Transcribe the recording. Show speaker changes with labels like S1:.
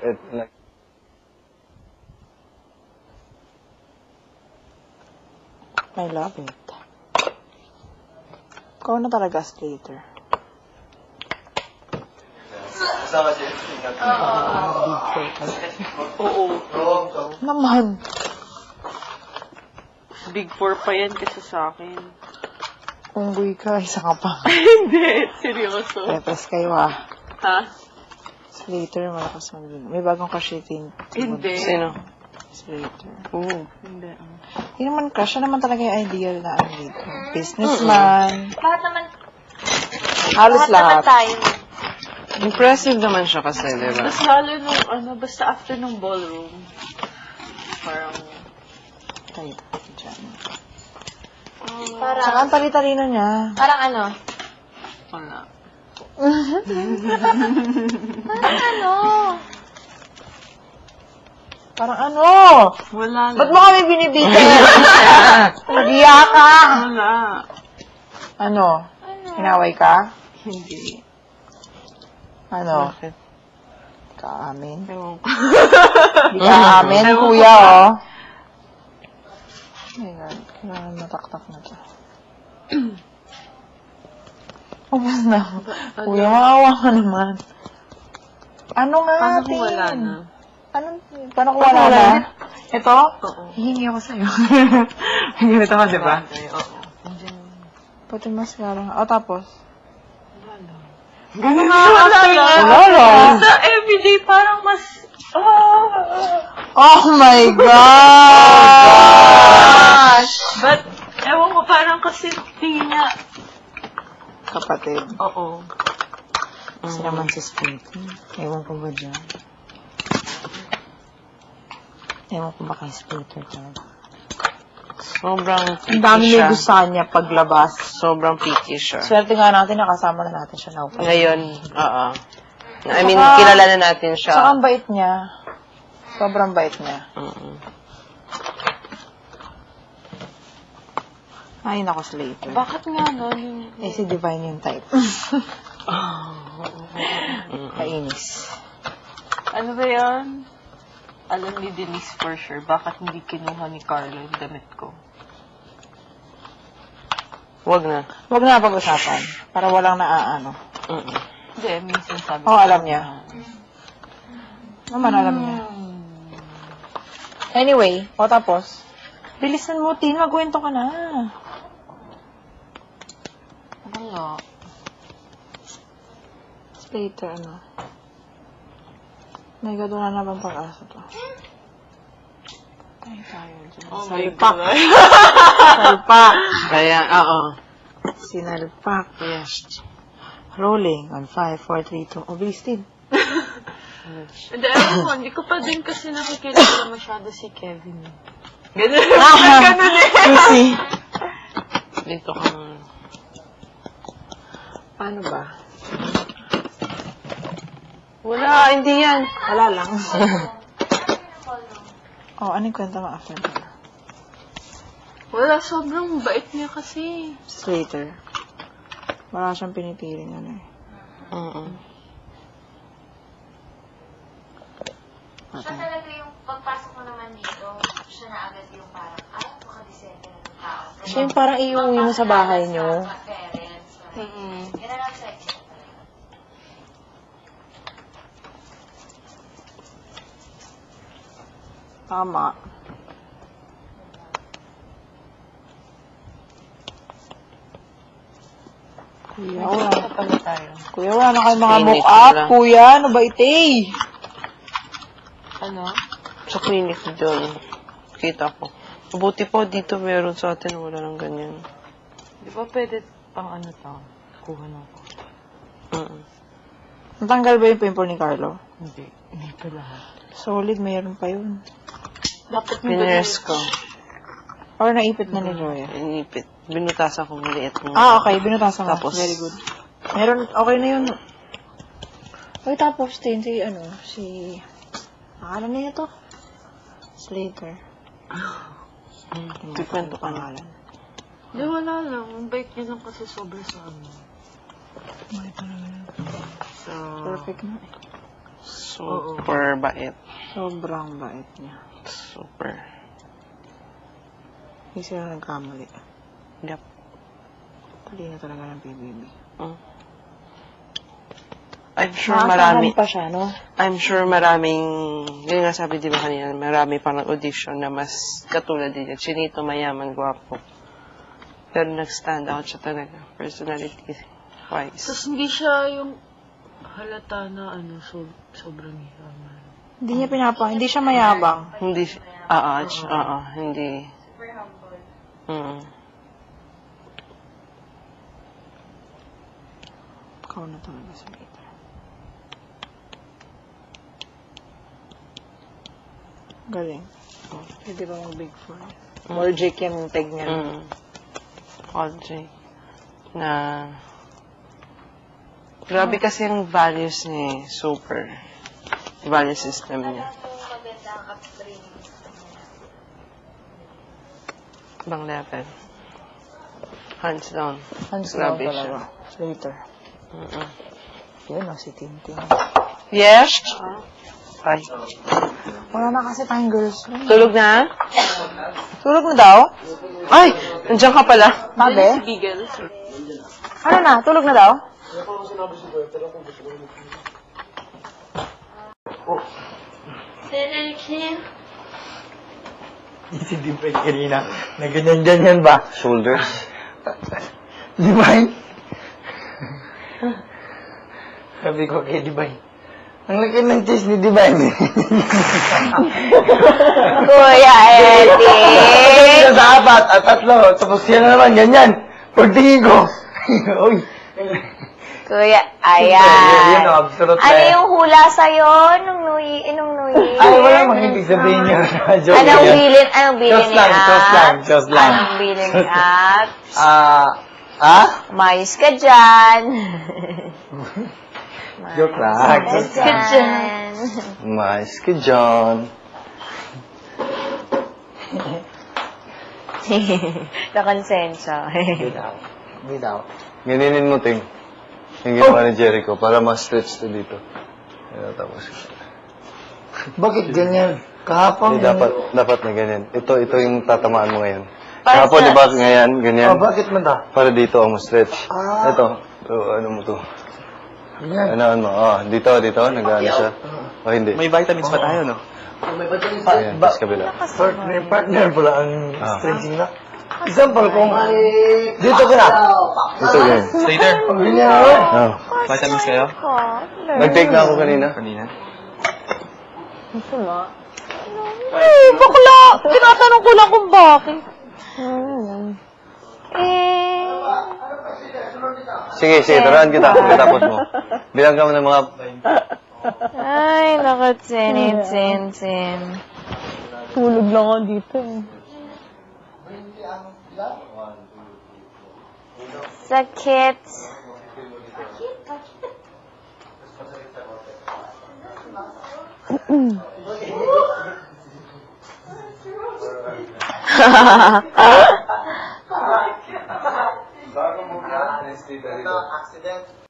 S1: I love it. Ikaw na talaga, Slater.
S2: Oo.
S1: Naman.
S2: Big 4 pa yan kasi sa akin.
S1: Unggoy ka, isa ka pa.
S2: Hindi, seryoso.
S1: Pepes kayo ah.
S2: Ha?
S1: Slater, malakas mag-win. May bagong crush din.
S2: Hindi.
S3: Sino?
S1: Slater.
S3: Oo.
S2: Hindi.
S1: Hindi naman crush. Siya naman talaga yung ideal na ano dito. Businessman.
S4: Lahat naman,
S1: Halos lahat.
S4: tayo.
S3: Impressive naman siya kasi, di ba?
S2: Mas lalo nung, basta after nung ballroom, parang,
S1: Tayo dyan.
S4: Parang,
S1: Saka ang tali-talino niya.
S4: parang ano?
S2: wala.
S4: Parang ano?
S1: Parang ano?
S2: Wala
S1: Ba't
S2: lang.
S1: mo kami binibitin? Nagiya ka!
S2: Wala.
S1: Ano? Hinaway ka?
S2: Hindi.
S1: Ano?
S3: Bakit?
S1: Kaamin?
S2: Ewan ko.
S1: Hindi ka amin, kuya, oh. Oh my God. Kailangan mataktak na to. Ubus na ako. Kuya, maawa ka naman. Ano nga
S2: Paano
S1: atin?
S2: kung wala na?
S1: Paano kung wala na? Ito?
S2: Oo.
S1: Hihingi ako sa'yo. Hihingi ito ka, diba?
S2: Oo.
S1: Pati mas nga. O, tapos?
S2: Gano'n nga after na.
S1: Wala.
S2: Sa everyday, parang mas,
S1: Oh my gosh!
S2: But, ewan ko, parang kasi tingin niya,
S1: Kapatid.
S2: oo.
S1: Kasi naman si Splitty. Ewan ko ba dyan? Ewan ko ba kay Splitter talaga.
S3: Sobrang
S1: Ang
S3: picky
S1: dami
S3: siya.
S1: may gusto niya paglabas.
S3: Sobrang picky siya.
S1: Swerte nga natin, nakasama na natin siya now.
S3: Ngayon, oo. I mean,
S1: Saka-
S3: kilala na natin
S1: Saka
S3: siya.
S1: ang bait niya. Sobrang bait niya. Ay, nako, Slater.
S2: Bakit nga nun?
S1: Eh, si Divine yung type. Kainis.
S2: Ano ba yan? Alam ni Denise for sure, bakit hindi kinuha ni Carlo yung damit ko?
S3: Wag na.
S1: Huwag na pag-usapan. Para walang naaano.
S2: Hindi, minsan sabi
S1: Oo, alam niya. Naman, alam niya. Anyway, o tapos? Bilisan mo, Tin. Magkwento ka na.
S2: Wala.
S1: Later, ano? May God, wala na bang pag-asa to? Tayo dyan.
S2: Oh my
S1: Salpak.
S2: God.
S1: Salpak.
S3: Kaya, oo.
S1: Sinalpak.
S3: Yes.
S1: Rolling on 5, 4, 3, 2. O, bilis, Tin.
S2: Hindi, alam mo, hindi ko pa din kasi nakikilala masyado si Kevin. Ganun. Ganun eh.
S1: Lucy.
S3: Dito ka.
S1: Paano ba?
S3: Wala, hindi yan.
S1: Wala lang. Oh, anong kwento mo after that?
S2: Wala, sobrang bait niya kasi.
S1: Later. Wala siyang pinipiling ano eh.
S4: Siya talaga yung pagpasok mo naman dito, siya na agad yung parang, ay, makadeserve na ng tao.
S1: Siya yung parang iuwi mo sa bahay niyo.
S4: Sa parents. Yan ang sexy talaga.
S1: Tama. Kuya, wala.
S2: Pala tayo.
S1: Kuya, wala na kayong mga
S3: Clinic
S1: mock-up.
S3: lang.
S1: Kuya, ano ba ite?
S2: Ano?
S3: Sa clinic doon. Kita ko. Mabuti po dito meron sa atin. Wala nang ganyan.
S2: Di ba pwede pang ano to? Kuha na ako.
S1: Natanggal ba yung pimple ni Carlo?
S2: Hindi. Hindi pa lahat.
S1: Solid, mayroon pa yun.
S2: Dapat
S3: Pinres ko.
S1: Or naipit na ni Joya.
S3: Inipit. Binutasan ko maliit mo.
S1: Ah, okay. Binutasan mo.
S3: Tapos-
S1: Very good. Meron, okay na yun. Okay, tapos din si, akala niya to? Slater.
S3: Kikwento ka na.
S1: Pangalan.
S2: Di, wala lang. Ang bait niya lang kasi sobra sa amin.
S1: May pa naman.
S2: So,
S1: Perfect na eh.
S3: Super bait.
S1: Sobrang bait niya.
S3: Super.
S1: Hindi sila nagkamali.
S3: Yep.
S1: Talino talaga ng PBB.
S3: I'm sure marami.
S1: pa siya, no?
S3: I'm sure maraming, yun nga sabi di ba kanina, marami pang audition na mas katulad din. Chinito, mayaman, gwapo. Pero nag-stand out siya talaga, personality-wise.
S2: Tapos hindi siya yung halata na sobrang yaman.
S1: Hindi niya hindi siya mayabang.
S3: Hindi, hindi.
S4: Super humble.
S1: Ikaw na talaga sa later. Galing. Pwede ba mag-big four? More Jake yung tag niya.
S3: All J. Na, grabe kasi yung values niya, super. Value system niya.
S4: Ano yung magandang upbringing sa kanya?
S3: Ibang level. Hands down.
S1: Hands down
S3: Grabe siya.
S1: talaga. Later. Yun o, si Tintin.
S3: Yes? Ay.
S1: Wala na kasi tayong girls room.
S3: Tulog na?
S1: Tulog na daw?
S3: Ay! Nandiyan ka pala.
S1: Sabi?
S2: Bigel.
S1: Ano na? Tulog na daw?
S5: Si Divine kanina, na ganyan-ganyan ba?
S6: Shoulders.
S5: Divine? Sabi ko kay Divine, ang laki ng chest ni Divine.
S1: Kuya
S5: Sa apat at tatlo, tapos yan na naman, ganyan. Pagtingin ko, uy.
S1: Kuya,
S5: Yun, absolute
S1: Ano yung hula sa'yo nung New Year?
S5: Ay, wala mang ibig sabihin niya. Joke
S1: Anong
S5: yan.
S1: bilin? Anong bilin
S5: Just
S1: ni
S5: lang,
S1: At?
S5: just lang.
S1: Anong bilin ni At? Mayos ka dyan.
S5: Joke lang.
S1: Mayos ka dyan.
S6: Mais ka dyan.
S1: Nakonsensya.
S5: Bitaw.
S6: Ganinin mo, Ting. Yung ginawa ni Jericho para ma-stretch to dito. Ayan, tapos.
S5: Bakit ganyan? Kahapon.
S6: Dapat na ganyan. Ito yung tatamaan mo ngayon. Kahapon, di ba, ngayon, ganyan.
S5: Bakit man ta?
S6: Para dito ang ma-stretch. Ito. Ano mo to?
S5: Ganyan.
S6: Ano mo? Dito, nag-ano siya. O, hindi.
S7: May vitamins pa tayo, no?
S6: Ayan, tapos kabila.
S5: Partner pala ang stretching na. Example, kung dito ka na.
S6: Ito, ganyan.
S7: Later,
S5: Ganyan,
S6: Oh.
S7: vitamins kayo?
S6: Nag-take na ako kanina.
S7: Kanina.
S1: Bakla! Tinatanong ko lang kung bakit.
S6: Sige, turuan kita. Pagkatapos mo. Bilang ka mo ng mga...
S1: Ay, nakatsin. Tulog lang ako dito eh. Sakit.
S5: Accident.